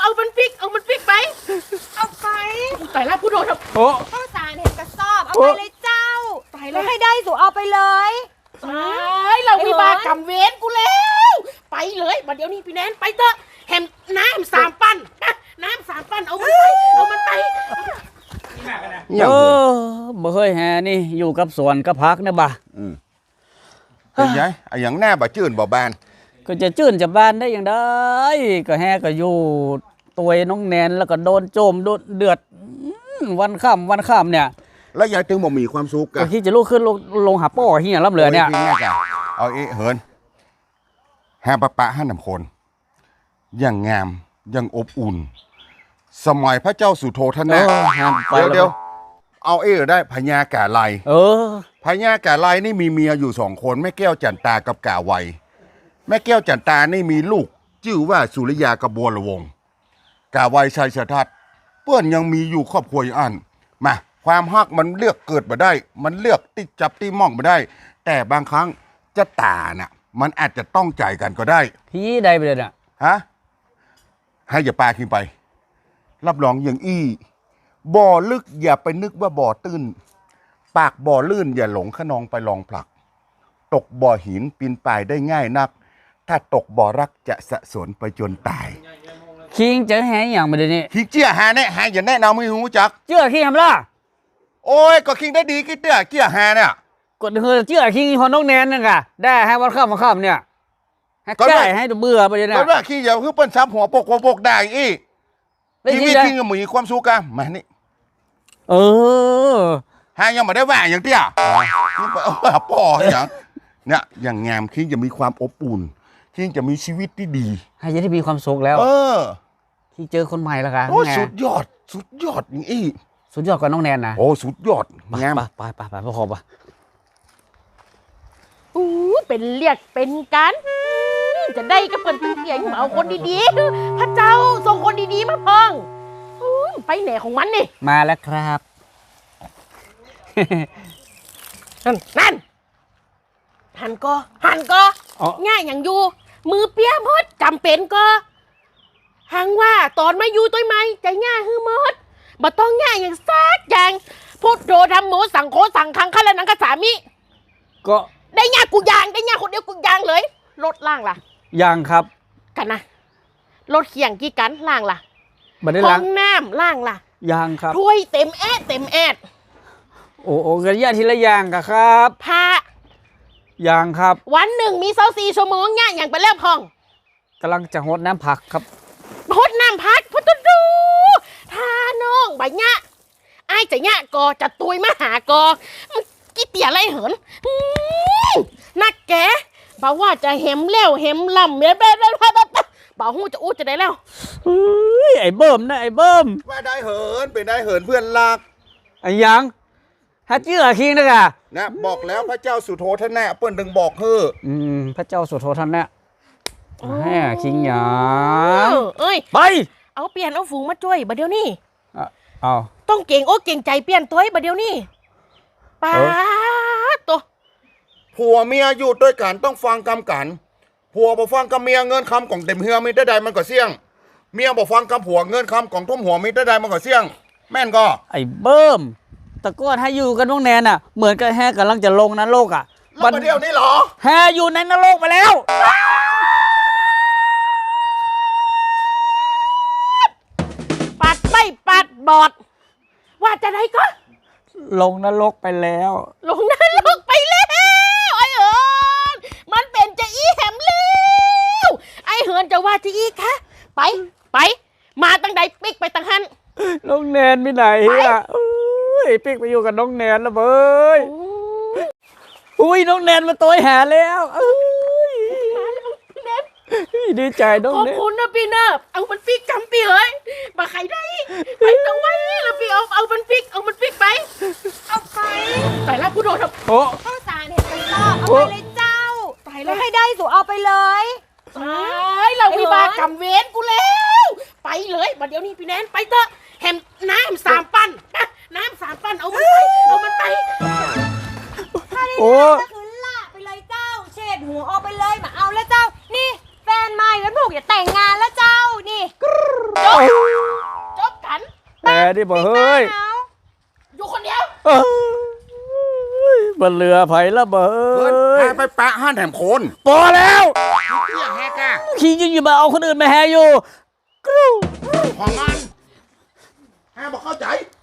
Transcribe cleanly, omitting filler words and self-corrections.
เอามันพริกไปเอาไปตายแล้วผู้โดนโอ้ข้าวสารเห็นกระสอบเอาไปเลยเจ้าตายแล้วให้ได้สู่เอาไปเลยตายเรามีบากำเว้นกูแล้วไปเลยมาเดี๋ยวนี้พี่แนนไปเถอะแฮมน้ำ3 ปั้นน้ำ3 ปั้นเอามันไปบ่เคยแฮนี่อยู่กับสวนกับพักนะบ่ะเป็นไงไอ้อย่างแน่บ่จื่นบ่บานก็จะจื่นจะบ้านได้อย่างได้ก็แฮก็อยู่ตัวน้องแนนแล้วก็โดนโจมโดนเดือดวันค่ำเนี่ยแล้วยายถึงบ่มีความสุขก็ที่จะลุกขึ้นลงหาป้อเฮียรับเหลือเนี่ยเอาเหินแฮปะให้นำคนอย่างงามอย่างอบอุ่นสมัยพระเจ้าสุโธทนะเดี๋ยวเอาได้พญากาไลพญากาไลนี่มีเมียอยู่2 คนแม่แก้วจันตากับกาไวแม่แก้วจันตานี่มีลูกชื่อว่าสุริยากระบวนละวงกาไวชัยชทัศน์เพื่อนยังมีอยู่ครอบครัวอันมาความฮักมันเลือกเกิดมาได้มันเลือกติดจับที่มองมาได้แต่บางครั้งจะตาน่ะมันอาจจะต้องใจกันก็ได้พี่ได้ไปเลยน่ะฮะให้อย่าปาขึ้นไปรับรองอย่างบ่อลึกอย่าไปนึกว่าบ่อตื้นปากบ่อลื่นอย่าหลงขนองไปลองผลักตกบ่อหินปีนป่ายได้ง่ายนักถ้าตกบ่อรักจะสะสนไปจนตายคิงจะแฮอย่างมาเดี๋ยวนี้คิงเจี้ยหาเนี่ยหาอย่าแนะนำไม่รู้จักเจี้ยคิงทำล่ะโอ้ยก็คิงได้ดีกี่เตี้ยเจี้ยหาเนี่ยกดเฮือเจี้ยคิงพอน้องแนนนั่นกะได้ให้วันค่ำเนี่ยให้แก้ให้เบื่อไปเลยนะก็ว่าคิงอย่าคือเปิ้นซ้ำหัวปกได้ชีวิตคิงก็มีความสุขกันมานี่หายังไม่ได้ว่าอย่างเตี้ยป่ออย่างเนี่ยอย่างงามคิงจะมีความอบอุ่นคิงจะมีชีวิตที่ดีให้จะได้มีความสุขแล้วที่เจอคนใหม่แล้วค่ะโอ้สุดยอดอย่างสุดยอดกว่าน้องแนนนะโอ้สุดยอดงามไปพ่อขอบเป็นเรียกเป็นกันจะได้ก็เป็นเสียงเอาคนดีๆพระเจ้าส่งคนดีๆมาเพิ่งไปไหนของมันนี่มาแล้วครับนั่นหันก็ง่ายอย่างอยู่มือเปี้ยมดจำเป็นก็หังว่าตอนมาอยู่ตัวไม่ใจง่ายฮือมดบ่ต้องง่ายอย่างซักอย่างพุทโธธรรมโมสังโฆสังฆังฆะละนังกะสามิก็ได้ง่ายกูยางได้ง่ายคนเดียวกูยางเลยรถล่างล่ะยางครับกันนะรถเขียงกี่กันล่างล่ะห้องน้ำล่างล่ะยางครับถ้วยเต็มแอดโอ้กระยะทีละยางครับผ้ายางครับวันหนึ่งมี24 ชั่วโมงง่ายอย่างไปแล้วพองกำลังจะหดน้ำผักครับหดน้ำผักพุทธดูท่าน้องใบเนี้ยไอ้จะเนี้ยกอจะตุยมาหากอกี่เตี่ยไรเหินนักแกบอกว่าจะเห็มเลี้ยวเห็มลำเมียบอกหูจะอู้จะได้แล้วไอ้เบิ่มนะไอ้เบิ่มว่าได้เหินเป็นได้เหินเพื่อนรักไอ้ยังฮัจเจือคิงนะกะนะบอกแล้วพระเจ้าสุโธทนะเปิ้นถึงบอกพระเจ้าสุโธทนะแม่คิงหยาไปเอาเปลี่ยนเอาฝูงมาช่วยบัดเดี๋ยวนี้เอาต้องเก่งเก่งใจเปลี่ยนตัวบัดเดี๋ยวนี้ป้าตัวผัวเมียอยู่ด้วยกันต้องฟังกำกันผัวบ่ฟังกำเมียเงินคำของเต็มเฮือไม่ได้ใดมันก็เสี่ยงเมียบ่ฟังกำผัวเงินคำของทุ่มหัวไม่ได้ใดมันก็เสี่ยงแม่นก็ไอ้เบิ่มตะก้อนให้อยู่กันน้องแนนน่ะเหมือนกับแฮกำลังจะลงนรกอ่ะบัดเดี๋ยวนี้เหรอแฮอยู่ในนรกไปแล้วปัดไม่ปัดบอดว่าจะได้ก็ลงนรกไปแล้วลงนรกไปแล้วไอ้เหินมันเป็นจะอีแหมแล้วไอ้เหินจะว่าจะอีคะไปมาตั้งใดปิ๊กไปตั้งหันน้องแนนไปไหนอ่ะปิ๊กไปอยู่กับน้องแนนแล้วเบ้ยน้องแนนมาตัวหาแล้วมาแล้วพี่แนนดีใจน้องแนนขอบคุณนะพี่เนบเอามันปิ๊กจำปีเฮ้ยมาใครได้ไปตรงไว้แล้วพี่เอามันปิ๊กไปเอาไปตายแล้วผู้โดนข้าวสารเห็นกระสอบเอาไปเลยเจ้าตายแล้วให้ได้สู่เอาไปเลยเรามีบากำเว้นกูแล้วไปเลยมาเดี๋ยวนี้พี่แนนไปเถอะแฮมน้ำ3 ปั้นน้ำ3 ปั้นเอามันไปถ้าได้ก็คือล่าไปเลยเจ้าเช็ดหัวเอาไปเลยมาเอาแล้วเจ้านี่แฟนใหม่แล้วลูกอย่าแต่งงานแล้วเจ้านี่จจบกันแหมดิบ่เฮ้ยอยู่คนเดียวบนเรือไผ่ละบ่เฮิเฮ้นยแฮไปปะห้านแถมคนพอแล้วเตี้ยแฮกะขี้ยังอยู่มาเอาคนอื่นมาแฮอยู่กรูของมันแฮบอกเข้าใจ